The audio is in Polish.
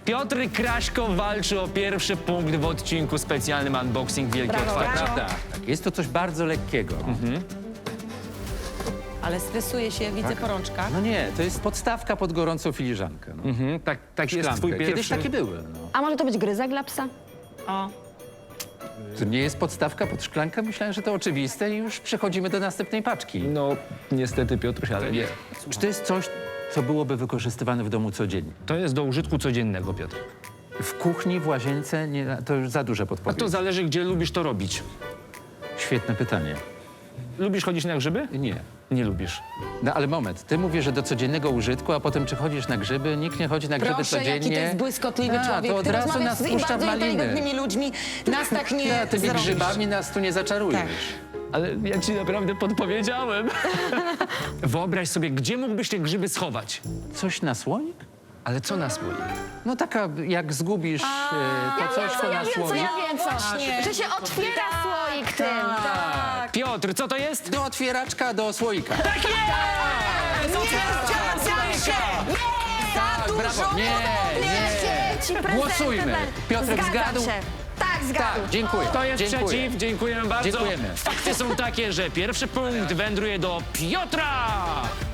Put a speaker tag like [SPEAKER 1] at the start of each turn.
[SPEAKER 1] Piotr Kraśko walczy o pierwszy punkt w odcinku specjalnym Unboxing Wielkie
[SPEAKER 2] Brawo,
[SPEAKER 1] Otwarcie.
[SPEAKER 2] brawo.
[SPEAKER 3] Prawda. Tak, jest to coś bardzo lekkiego.
[SPEAKER 2] Ale stresuje się, widzę po rączkach.
[SPEAKER 3] No nie, to jest podstawka pod gorącą filiżankę. No.
[SPEAKER 1] Tak jest
[SPEAKER 3] Szklankę.
[SPEAKER 1] twój
[SPEAKER 3] Kiedyś
[SPEAKER 1] pierwszy...
[SPEAKER 3] takie były. No.
[SPEAKER 4] A może to być gryzak dla psa?
[SPEAKER 2] O,
[SPEAKER 3] To nie jest podstawka pod szklankę? Myślałem, że to oczywiste i już przechodzimy do następnej paczki.
[SPEAKER 1] No, niestety, Piotruś, ale nie.
[SPEAKER 3] Czy to jest coś, co byłoby wykorzystywane w domu codziennie?
[SPEAKER 1] To jest do użytku codziennego, Piotr.
[SPEAKER 3] W kuchni, w łazience? Nie, to już za duże
[SPEAKER 1] A
[SPEAKER 3] podpowiedź.
[SPEAKER 1] to zależy, gdzie lubisz to robić.
[SPEAKER 3] Świetne pytanie.
[SPEAKER 1] Lubisz chodzić na grzyby?
[SPEAKER 3] Nie.
[SPEAKER 1] Nie lubisz.
[SPEAKER 3] No ale moment, ty mówisz, że do codziennego użytku, a potem czy chodzisz na grzyby? Nikt nie chodzi na grzyby
[SPEAKER 2] proszę,
[SPEAKER 3] codziennie.
[SPEAKER 2] jaki to jest błyskotliwy
[SPEAKER 3] A,
[SPEAKER 2] człowiek.
[SPEAKER 3] to od
[SPEAKER 2] Ty
[SPEAKER 3] razu
[SPEAKER 2] rozmawiasz
[SPEAKER 3] nas
[SPEAKER 2] z
[SPEAKER 3] puszcza w
[SPEAKER 2] bardzo
[SPEAKER 3] maliny.
[SPEAKER 2] inteligentnymi ludźmi. Nas tak nie
[SPEAKER 3] No, tymi
[SPEAKER 2] zrobisz.
[SPEAKER 3] grzybami nas tu nie zaczarujesz.
[SPEAKER 2] Tak.
[SPEAKER 1] Ale ja ci naprawdę podpowiedziałem. Wyobraź sobie, gdzie mógłbyś te grzyby schować.
[SPEAKER 3] Coś na słoik?
[SPEAKER 1] Ale co na słoik?
[SPEAKER 3] No taka, jak zgubisz to coś, to na słoik.
[SPEAKER 4] wiem co.
[SPEAKER 2] Właśnie.
[SPEAKER 4] Że się otwiera słoik tym.
[SPEAKER 2] Tak.
[SPEAKER 1] Piotr, co to jest?
[SPEAKER 3] Do otwieraczka, do słoika.
[SPEAKER 1] Tak jest!
[SPEAKER 2] Za dużo
[SPEAKER 3] brawo. Nie,
[SPEAKER 4] Ci prezentem.
[SPEAKER 3] Głosujmy. Piotrek
[SPEAKER 4] Zgadzam
[SPEAKER 3] zgadł?
[SPEAKER 4] się. Tak, zgadł.
[SPEAKER 3] Tak, dziękuję.
[SPEAKER 1] To jest
[SPEAKER 3] dziękuję.
[SPEAKER 1] przeciw, dziękujemy bardzo.
[SPEAKER 3] Dziękujemy.
[SPEAKER 1] Fakty są takie, że pierwszy punkt wędruje do Piotra!